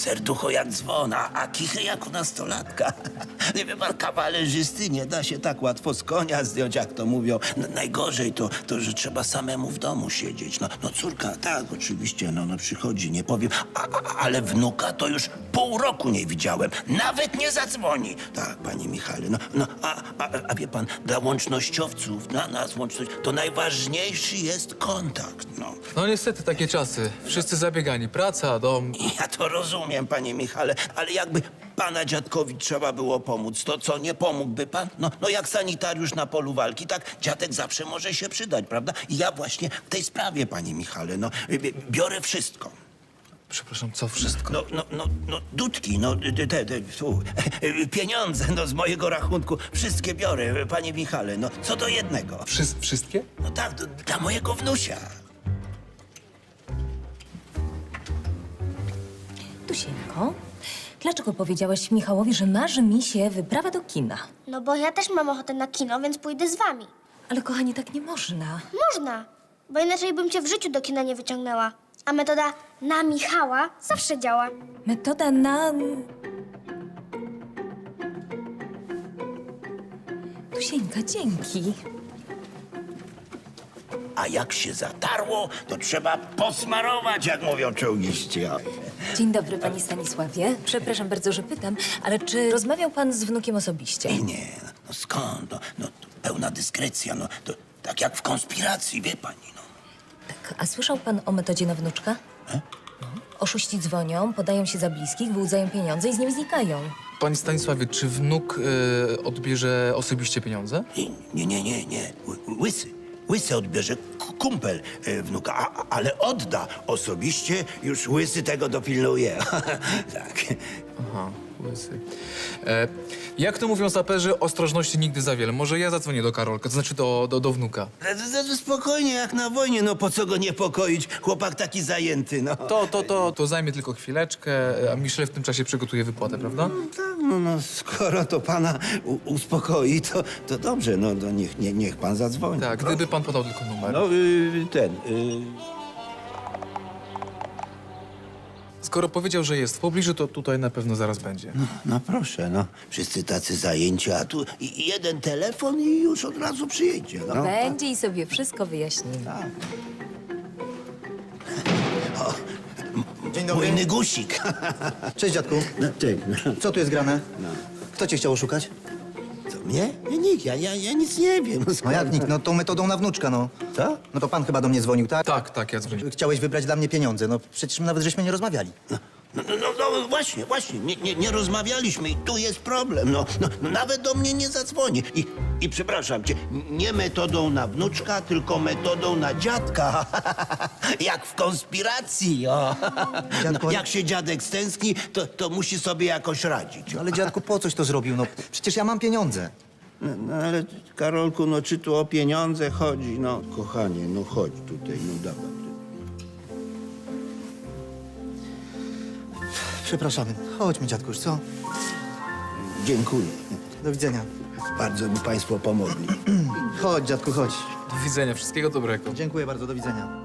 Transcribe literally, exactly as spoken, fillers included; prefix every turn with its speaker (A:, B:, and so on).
A: serducho jak dzwon, a, a kichy jak u nastolatka. Nie wie pan, kawalerzysty nie da się tak łatwo z konia zdjąć, jak to mówią. N najgorzej to, to, że trzeba samemu w domu siedzieć. No, no córka, tak, oczywiście, no, no przychodzi, nie powiem, a, a, ale wnuka to już pół roku nie widziałem. Nawet nie zadzwoni. Tak, panie Michale, no, no a, a, a wie pan, dla łącznościowców, dla nas łączność, to najważniejszy jest kontakt, no.
B: No niestety takie czasy. Wszyscy zabiegani. Praca, dom.
A: Ja to rozumiem, panie Michale, ale jakby pana dziadkowi trzeba było pomóc, to co, nie pomógłby pan? No, no jak sanitariusz na polu walki, tak dziadek zawsze może się przydać, prawda? I ja właśnie w tej sprawie, panie Michale, no, bi- biorę wszystko.
B: Przepraszam, co wszystko?
A: No, no, no, no, dudki, no, te, te, te fu, pieniądze, no, z mojego rachunku, wszystkie biorę, panie Michale, no, co do jednego.
B: Wszy wszystkie?
A: No tak, do, dla mojego wnusia.
C: Tusieńko, dlaczego powiedziałaś Michałowi, że marzy mi się wyprawa do kina?
D: No bo ja też mam ochotę na kino, więc pójdę z wami.
C: Ale kochani, tak nie można.
D: Można, bo inaczej bym cię w życiu do kina nie wyciągnęła. A metoda na Michała zawsze działa.
C: Metoda na... Tusieńka, dzięki.
A: A jak się zatarło, to trzeba posmarować, jak mówią czołgiści. O.
C: Dzień dobry, panie Stanisławie. Przepraszam bardzo, że pytam, ale czy rozmawiał pan z wnukiem osobiście?
A: Nie, nie, no skąd? No, no to pełna dyskrecja, no to tak jak w konspiracji, wie pani, no.
C: Tak, a słyszał pan o metodzie na wnuczka?
A: E?
C: Oszuści dzwonią, podają się za bliskich, wyłudzają pieniądze i z nimi znikają.
B: Panie Stanisławie, czy wnuk y, odbierze osobiście pieniądze?
A: Nie, nie, nie, nie, Ły- Łysy. Łysy odbierze k- kumpel e, wnuka, a, a- ale odda osobiście, już Łysy tego dopilnuje. Tak.
B: Aha, łysy. E, jak to mówią saperzy, ostrożności nigdy za wiele. Może ja zadzwonię do Karolka, to znaczy do, do, do wnuka.
A: Z- z- Spokojnie, jak na wojnie, no po co go niepokoić? Chłopak taki zajęty, no.
B: To, to, to, to zajmie tylko chwileczkę, a Michel w tym czasie przygotuje wypłatę, prawda?
A: Tak, no, no skoro to pana u- uspokoi, to, to dobrze, no to niech, nie, niech pan zadzwoni.
B: Tak, gdyby pan podał tylko numer.
A: No, y, ten, y,
B: Skoro powiedział, że jest w pobliżu, to tutaj na pewno zaraz będzie.
A: no, no proszę, no. Wszyscy tacy zajęci, a tu i, i jeden telefon i już od razu przyjedzie, no.
C: Będzie i sobie wszystko wyjaśnimy.
E: Dzień dobry.
A: Mój nygusik.
E: Cześć, dziadku.
A: No, ty, no.
E: Co tu jest grane? Kto cię chciał oszukać?
A: Co, mnie? Nie, nikt, ja, ja, ja nic nie wiem. No,
E: No
A: skoro-
E: jak nikt? No tą metodą na wnuczka, no.
A: Co?
E: No to pan chyba do mnie dzwonił, tak?
B: Tak, tak, ja dzwonię.
E: Chciałeś wybrać dla mnie pieniądze. No przecież my nawet żeśmy nie rozmawiali.
A: No, no, no, no właśnie, właśnie, nie, nie, nie rozmawialiśmy i tu jest problem. No, no, no nawet do mnie nie zadzwoni. I, I przepraszam cię, nie metodą na wnuczka, tylko metodą na dziadka. Jak w konspiracji, o.
E: Dziadku,
A: No,
E: ale-
A: jak się dziadek stęskni, to, to musi sobie jakoś radzić.
E: Ale dziadku, po coś to zrobił? No przecież ja mam pieniądze.
A: No, no ale Karolku, no czy tu o pieniądze chodzi? No kochanie, no chodź tutaj, no dawaj.
E: Przepraszamy. Chodźmy, dziadku, już co?
A: Dziękuję.
E: Do widzenia.
A: Bardzo mi państwo pomogli.
E: Chodź, dziadku, chodź.
B: Do widzenia, wszystkiego dobrego.
E: Dziękuję bardzo, do widzenia.